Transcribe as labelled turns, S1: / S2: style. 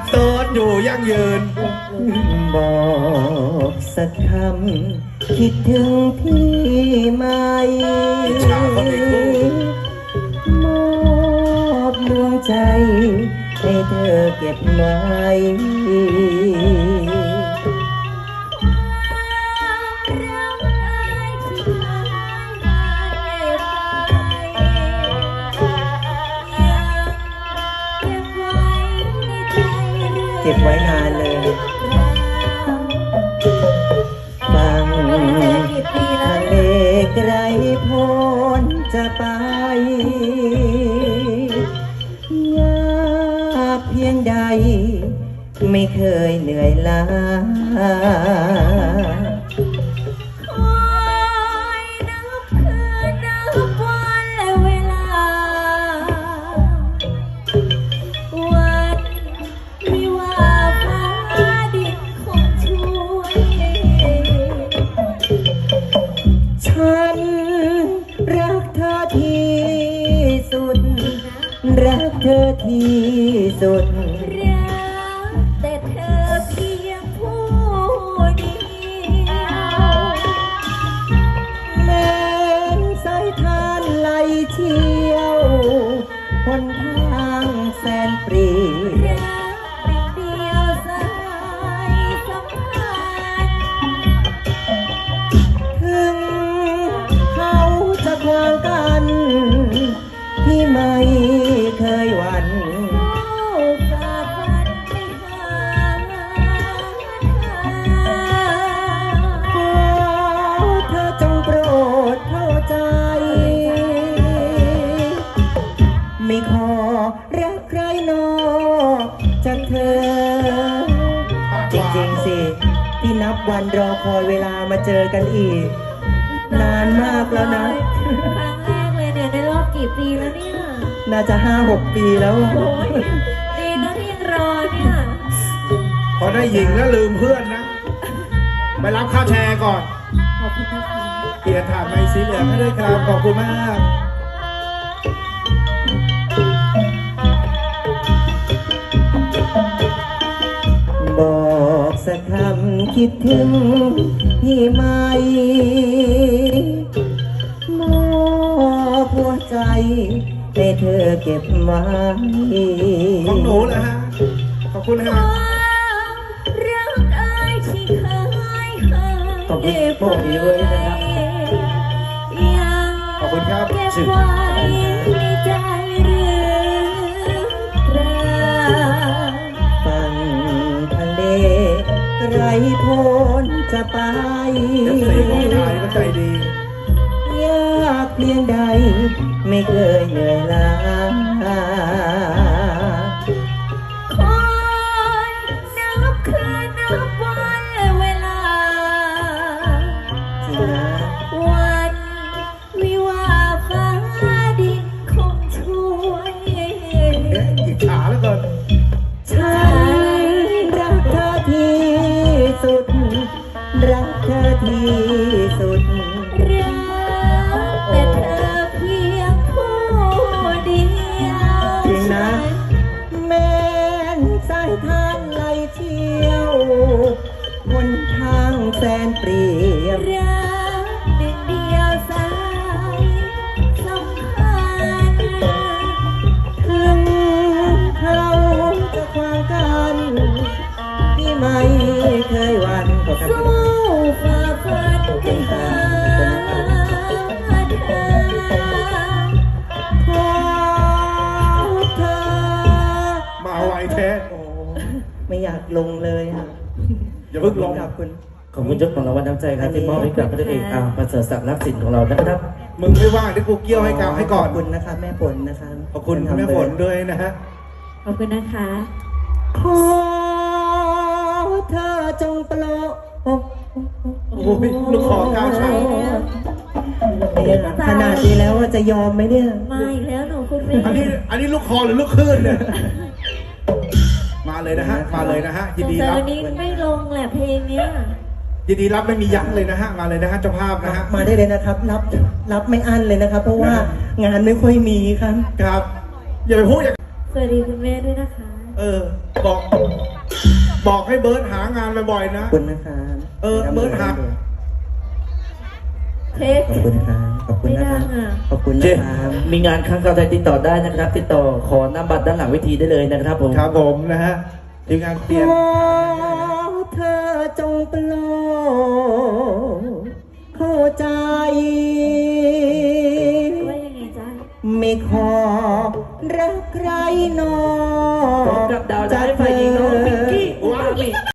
S1: โสดอยู่ยั่งยืน
S2: บอกสักคำคิดถึงพี่ไหมมอบดวงใจให้เธอเก็บไว้เก็บไว้นานเลยฟังทะเลไกลโพ้นจะไปยากเพียงใดไม่เคยเหนื่อยล้าฉันรักเธอที่สุดรักเธอที่สุด
S3: รักแต่เธอเพียงผู้เดียว
S2: แม้สายทานไหลเชี่ยวหนทางแสนปรี
S3: รักเดียวสายสัมพันธ์
S2: ถึงเขาจะขวางกันที่ไม่เคยหวั่น
S3: ฝ่าฟันไปหา
S2: ขอเธอจงโปรดเข้าใจไม่ขอรักใครนอกจากเธอจริงๆสิที่นับวันรอคอยเวลามาเจอกันอีกนานมากแล้วนะ
S3: ครั้งแรกเลยเนี่ยในรอบกี่ปีแล้วเนี่ย
S2: น่าจะ 5-6 ปีแล้ว
S3: โอ้ยดีนะที่ยังรอเนี่ย
S1: พอได้หญิงแล้วลืมเพื่อนนะไปรับค่าแชร์ก่อน
S3: ขอบคุณนะคะ
S1: เกียรติถามในสีเหลืองให้ด้วยครับขอบคุณมาก
S2: บอกสักคำคิดถึงพี่ไหมมอบหัวใจให้เธอเก็บไว้
S1: ของหนูเลยฮะขอบคุณครับ
S3: รักอายที่เคย
S2: ขอบคุณพวกนี้ด้วยนะครับ
S1: ขอบคุณครับ
S3: เก็บไว้ในใจหรือเปล่า
S2: ฟังทะเลไกลโพ้นจะไป
S1: เดี๋ยวเสียงของนายก็ใจดี
S2: ยากเพียงใดไม่เคยเหนื่อยล้า
S3: คอยนับคืนนับวันและเวลา
S2: จริงนะ
S3: วันวิวาฟ้าดินคงช่วย
S1: อิจฉาแล้วกัน
S2: ฉันรักเธอที่สุดรักเธอที่สุด
S3: แต่เธอเพียงผู้เดียว
S2: จริงนะแม้นสายทานไหลเชี่ยวบนทางแสนเปรียบ
S3: รักหนึ่งเดียวสายสัมพันธ์
S2: ถึงเขาจะขวางกันที่ไม่เคยหวั่น
S3: สู้ฝ่าฟันไปหา
S1: มาไวแท้
S2: ไม่อยากลงเลยค่ะ
S1: อย่าเพิ่งลง
S2: ขอบคุณ
S4: เจ้าของรางวัลน้ำใจครับที่มอบให้กับพระเอกประเสริฐศักดิ์รักสินของเรานะครับ
S1: มึงไม่ว่างที่กูเกี่ยวให้กับให้ก่อน
S2: ขอบคุณนะคะแม่ฝนนะคะ
S1: ขอบคุณแม่ฝนด้วยนะฮะ
S3: ขอบคุณนะคะ
S2: ขอเธอจงโปรด
S1: โอ้ยลูกขอก้าวช้า
S2: ขนาดนี้แล้วว่าจะยอมไหมเนี่ย
S3: ไม่แล้วหนูคุณแม่
S1: อันนี้ลูกคอหรือลูกคลื่นเนี่ยมาเลยนะฮะมาเลยนะฮะยินดีรับ
S3: วันนี้ไม่ลงแหละเพลงเนี้ย
S1: ยินดีรับไม่มียั้งเลยนะฮะมาเลยนะฮะเจ้าภาพนะฮะ
S2: มาได้เลยนะครับรับไม่อั้นเลยนะครับเพราะว่างานไม่ค่อยมีครับ
S1: ครับอย่าไปพูดอย่าง
S3: สวัสดีคุณแม่ด้วยนะคะ
S1: บอก บอกให้เบิร์ดหางานบ่อยๆนะ
S2: ขอบคุณนะครับ
S1: เบิร์ดหัก
S3: เค้ก
S2: ขอบคุณครับขอบคุณนะครับ
S3: ไม่ดังอ่ะ
S2: ขอบคุณ
S4: เช่
S2: นะครับ
S4: มีงานครั้งต่อไปติดต่อได้นะครับ ติดต่อขอนำบัตรด้านหลังเวทีได้เลยนะครับผม
S1: ครับผมนะฮะทีมงานเปลี่ยน
S2: ขอเธอจงโปรดเข้าใจ
S3: ว่ายังไงจ๊ะ
S2: ไม่ขอรักใครนอ
S4: พร้อม
S2: ก
S4: กับดาวร้ายฝ่ายหญิงน้อง